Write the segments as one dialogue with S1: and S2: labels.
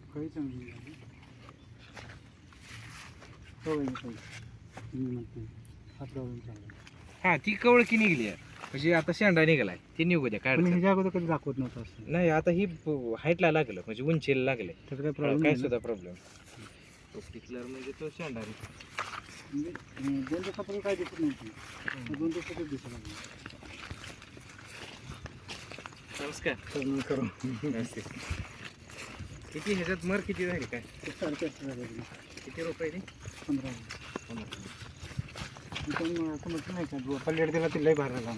S1: कळी चांगली झाली. कळी कळी मी म्हणते हा प्रॉब्लेम चालला.
S2: हा ती कवळकी निघली आहे म्हणजे आता शेंडा निघालाय ती निघू द्या काय
S1: पण
S2: अडचण
S1: ह्याच्या अगोदर कधी दाखवत नव्हतं असं.
S2: नाही. आता ही हाईटला लागलं म्हणजे उंचीला लागले
S1: त्याचा काही प्रॉब्लेम
S2: काय
S1: नाही ना?
S2: सुद्धा प्रॉब्लेम टिकलर म्हणजे तो शेंडा
S1: म्हणजे 2 दिवसापूर्वी काय दिसत नव्हती. 2 दिवसातच दिसत लागली.
S2: नमस्कार
S1: तर करू
S2: नमस्ते. किती ह्याच्यात मर किती झाली काय
S1: 450 झाले.
S2: किती रुपये
S1: 15. पण असं म्हटलं नाही का जो लेट दिला तिलाही बाहेर आला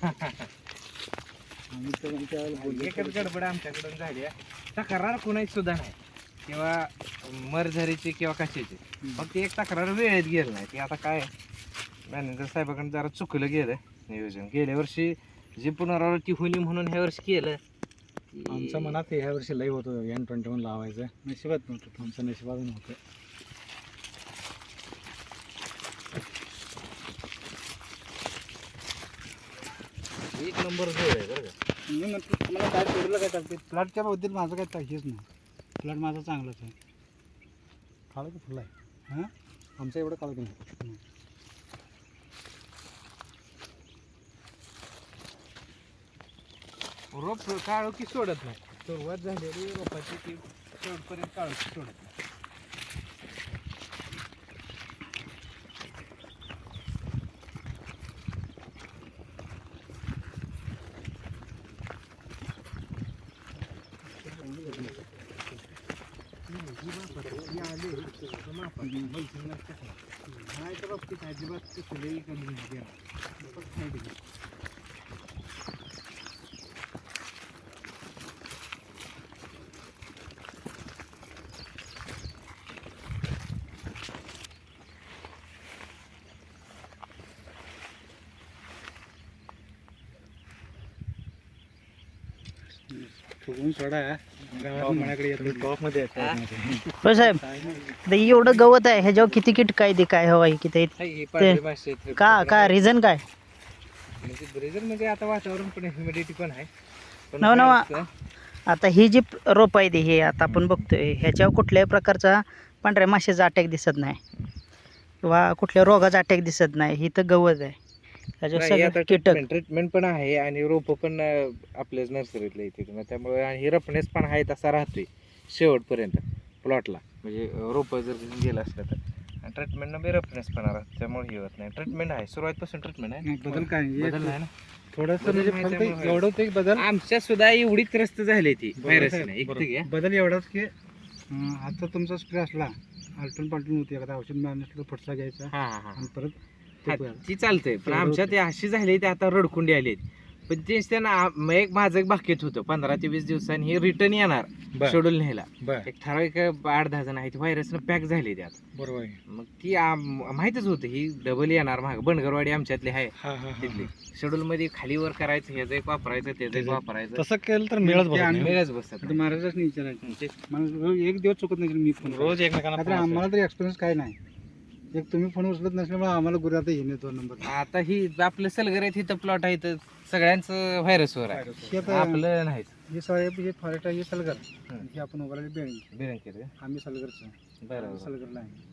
S1: आम्ही तर त्यावेळेला
S2: एकच गडबड आमच्याकडून झाली आहे. तक्रार कोणाची सुद्धा नाही किंवा मरझारीची किंवा कशाची. फक्त एक तक्रार वेळेत गेलं नाही ती आता काय मॅनेजर साहेबाकडून जरा चुकलं गेलं नियोजन. गेल्या वर्षी जी पुनरावृत्ती होली म्हणून ह्या वर्षी केलं.
S1: आमच्या मनात ह्या वर्षी लई होतं N21 लावायचं. नशिबात नव्हतं. आमचं नशिबात नव्हतं.
S2: एक नंबर जोड आहे बरं का.
S1: मी म्हणतो तुम्हाला काय पेरूला काय टाकते प्लॉटच्या बाबतीत माझं काय हेच नाही. प्लॉट माझा चांगलाच आहे. काळं की फुलं आहे हां आमचं एवढं काळं की नाही.
S2: रोप काळो की सोडत नाही. सुरुवात झालेली रोपाची की शेवटपर्यंत काळो की सोडत नाही. नाही तर बाबतीत अजिबात कसलंही कमी नाही.
S1: फुगून सोडा गावात माझ्याकडे येतो टॉपमध्ये
S3: हो साहेब आता एवढं गवत आहे ह्याच्यावर किती कीट काय ते काय हवं आहे किती का रिझन काय
S2: रिझन म्हणजे आता वातावरण पण ह्युमिडिटी पण आहे. पण
S3: नव नव
S2: काय
S3: आता ही जी रोप आहे ती हे आता आपण बघतोय ह्याच्यावर कुठल्याही प्रकारचा पांढऱ्या माशाचा अटॅक दिसत नाही किंवा कुठल्या रोगाचा अटॅक दिसत नाही. ही तर गवत आहे ह्याच्यावर
S2: नाही, आता
S3: सगळं कीटक
S2: ट्रीटमेंट पण आहे आणि रोप पण आपल्याच नर्सरीतल्या इथे मग त्यामुळे आणि रफनेस पण आहे तसा राहतोय शेवटपर्यंत प्लॉटला. म्हणजे रोप जर गेलं असलं तर ट्रीटमेंटनं बी रफनेस पण राहतो त्यामुळे हे होत नाही. ट्रीटमेंट आहे सुरुवातपासून ट्रीटमेंट आहे.
S1: बदल काय
S2: बदल आहे ना
S1: थोडंसं
S2: बदल
S1: म्हणजे
S2: नाही
S1: फक्त
S2: त्यामुळे
S1: एवढं होतं की बदल
S2: आमच्या सुद्धा एवढी त्रस्त झाली ती व्हायरसने.
S1: बदल एवढाच की आता तुमचा स्प्रे असला आलटून पालटून होती एखादा औषध मिळालं असलं तर फटसा घ्यायचा
S2: हा हा
S1: आणि परत
S2: हा
S1: ते
S2: ती चालतंय. पण आमच्या ते अशी झाली ते आता रडकुंडी आली. पण तेच त्यांना एक माझं एक बाकीत होतं 15 ते 20 दिवसांनी हे रिटर्न येणार शेड्यूल न्यायला. एक ठराविक 8-10 जण आहेत व्हायरसनं पॅक झाले ते आता.
S1: बरोबर
S2: मग ती माहितच होतं ही डबल येणार माग. बनगरवाडी आमच्यातली आहे तिथली. शेड्यूल मध्ये खाली वर करायचं ह्याचं एक वापरायचं त्याचं एक वापरायचं.
S1: तसं केलं तर मिळच
S2: बसतात.
S1: महाराजच नाही विचारायचं मला रोज एक दिवस चुकत नाही मी फोन रोज एकमेकांना आम्हाला तरी एक्सपिरियन्स काय नाही. एक तुम्ही फोन उचलत नसल्यामुळे आम्हाला गुरु आता येणे तो नंबर.
S2: आता ही आपलं सलगर आहे तिथं प्लॉट आहे तर सगळ्यांचं व्हायरसवर आहे आपलं नाही.
S1: हे साहेब हे फॉरेस्ट आहे हे सलगर हे आपण उभारले बेळंकी
S2: बिरंकीर
S1: आम्ही सलगरचं
S2: बरोबर
S1: सलगरला आहे.